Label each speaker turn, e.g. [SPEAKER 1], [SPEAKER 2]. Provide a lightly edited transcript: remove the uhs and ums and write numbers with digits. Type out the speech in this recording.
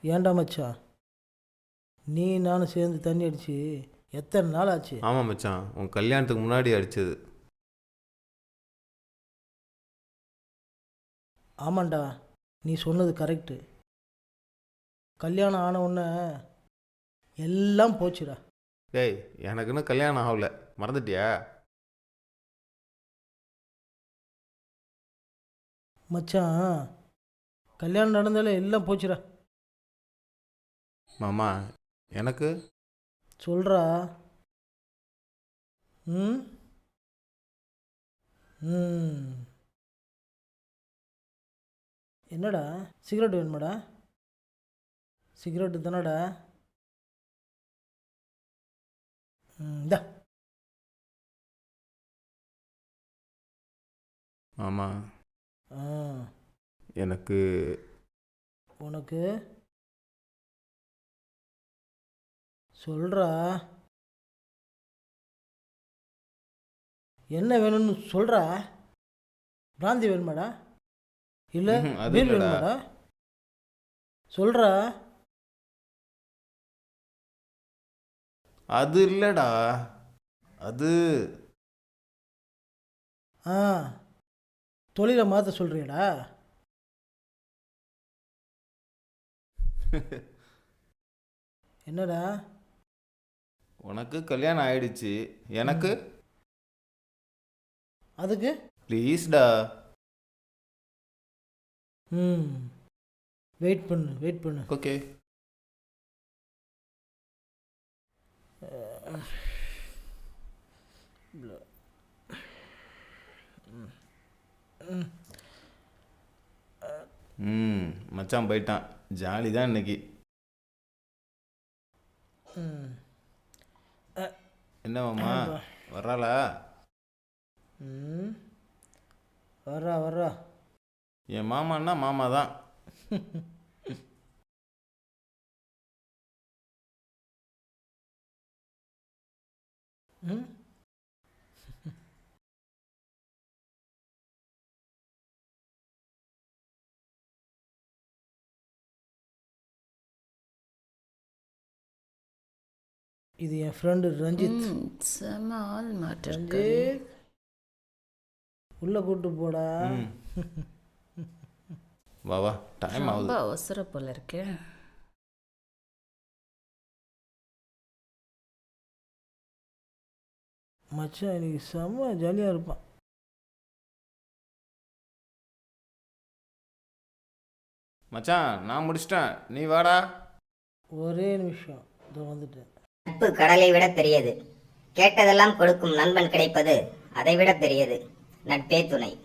[SPEAKER 1] ஏன்டா மச்சான், நீ நானும் சேர்ந்து தண்ணி அடிச்சு எத்தனை நாள் ஆச்சு?
[SPEAKER 2] ஆமாம் மச்சான், உன் கல்யாணத்துக்கு முன்னாடி அடித்தது.
[SPEAKER 1] ஆமாண்டா, நீ சொன்னது கரெக்டு. கல்யாணம் ஆன உடனே எல்லாம் போச்சுடா.
[SPEAKER 2] டேய், எனக்குன்னு கல்யாணம் ஆகல, மறந்துட்டியா?
[SPEAKER 1] மச்சான், கல்யாணம் நடந்தாலே எல்லாம் போச்சுடா.
[SPEAKER 2] மாமா, எனக்கு
[SPEAKER 1] சொல்கிறா. ம் ம் என்னடா, சிகரெட் வேணுமாடா? சிகரெட்டு தானடா? இந்தா.
[SPEAKER 2] மாமா,
[SPEAKER 1] ஆ
[SPEAKER 2] எனக்கு
[SPEAKER 1] உனக்கு சொல்கிறா. என்ன வேணும்னு சொல்கிறா. பிராந்தி வேணுமாடா? இல்லை
[SPEAKER 2] அது
[SPEAKER 1] பீர்
[SPEAKER 2] இல்லடா.
[SPEAKER 1] வேணுமாடா? சொல்கிறா.
[SPEAKER 2] அது இல்லடா, அது
[SPEAKER 1] ஆ தொழிலை மாற்ற சொல்கிறியடா? என்னடா?
[SPEAKER 2] உனக்கு கல்யாணம் ஆயிடுச்சு, எனக்கு
[SPEAKER 1] அதுக்கு
[SPEAKER 2] ப்ளீஸ்டா.
[SPEAKER 1] ம் வெயிட் பண்ணு, வெயிட் பண்ணு.
[SPEAKER 2] ஓகே. மச்சான் போயிட்டான், ஜாலி தான் இன்னைக்கு.
[SPEAKER 1] ம்
[SPEAKER 2] என்ன மாமா, வர்றாளா?
[SPEAKER 1] ம் வர்றா வர்றா.
[SPEAKER 2] என் மாமான்னா மாமா தான்.
[SPEAKER 1] ம் இது என் ஃப்ரெண்டு ரஞ்சித்.
[SPEAKER 3] செம ஆள் மாட்டிருக்காரு.
[SPEAKER 1] ரஞ்சித், உள்ளே கூப்பிட்டு போடா.
[SPEAKER 2] ம். வா வா, டைம்
[SPEAKER 3] ரொம்ப
[SPEAKER 2] ஆகுது.
[SPEAKER 3] அவசரம் போல இருக்கே.
[SPEAKER 1] மச்சான் இன்னைக்கு செம்ம ஜாலியாக இருப்பான்.
[SPEAKER 2] மச்சான், நான் முடிச்சிட்டேன், நீ வாடா.
[SPEAKER 1] ஒரே நிமிஷம், இதோ வந்துட்டேன்.
[SPEAKER 4] நட்பு கடலை விட பெரியது. கேட்டதெல்லாம் கொடுக்கும் நண்பன் கிடைப்பது அதை விட பெரியது. நட்பே துணை.